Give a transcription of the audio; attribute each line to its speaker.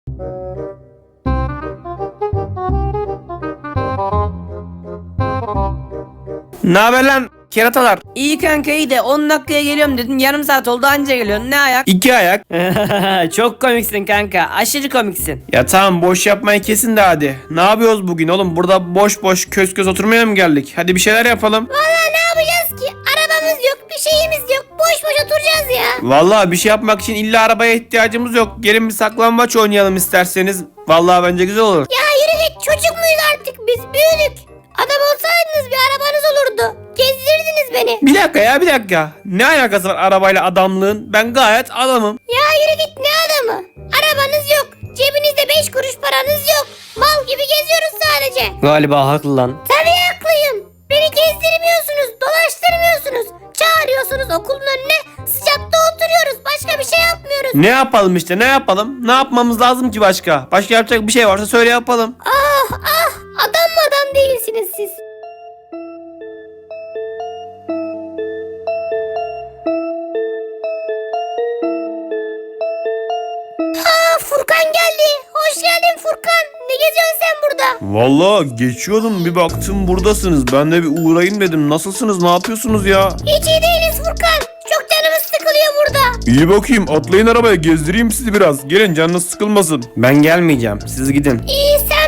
Speaker 1: Ne haber lan keratalar?
Speaker 2: İyi kanka iyi de 10 dakikaya geliyorum dedin, yarım saat oldu anca geliyorsun, ne ayak?
Speaker 1: 2 ayak.
Speaker 2: Çok komiksin kanka, aşırı komiksin.
Speaker 1: Ya tamam, boş yapmayı kesin de hadi. Ne yapıyoruz bugün oğlum? Burada boş boş köz köz oturmaya mı geldik? Hadi bir şeyler yapalım.
Speaker 3: Vallahi ne yapacağız ki? Arabamız yok, bir şeyimiz yok. Boş boş oturacağız ya.
Speaker 1: Vallahi bir şey yapmak için illa arabaya ihtiyacımız yok. Gelin bir saklambaç oynayalım isterseniz. Vallahi bence güzel olur.
Speaker 3: Ya yürü git, çocuk muyuz artık biz? Büyüdük. Adam olsaydınız bir arabanız olurdu. Gezdirirdiniz beni.
Speaker 1: Bir dakika ya, bir dakika. Ne alakası var arabayla adamlığın? Ben gayet adamım.
Speaker 3: Ya yürü git, ne adamı? Arabanız yok. Cebinizde 5 kuruş paranız yok. Mal gibi geziyoruz sadece.
Speaker 2: Galiba haklı lan.
Speaker 3: Tabii haklıyım. Beni gezdirmiyorsunuz, dolaştırmıyorsunuz. Çağırıyorsunuz okulun önüne. Sıcakta oturuyoruz. Başka bir şey yapmıyoruz.
Speaker 1: Ne yapalım işte, ne yapalım? Ne yapmamız lazım ki başka? Başka yapacak bir şey varsa söyle yapalım.
Speaker 3: Ah ah, adam mı adam değilsiniz siz. Furkan geldi. Hoş geldin Furkan. Ne geziyorsun sen burada?
Speaker 1: Vallahi geçiyordum, bir baktım buradasınız. Ben de bir uğrayayım dedim. Nasılsınız, ne yapıyorsunuz ya?
Speaker 3: Hiç iyi değiliz Furkan. Çok canımız sıkılıyor burada.
Speaker 1: İyi bakayım, atlayın arabaya, gezdireyim sizi biraz. Gelin, canınız sıkılmasın. Ben gelmeyeceğim, siz gidin.
Speaker 3: İyi, sen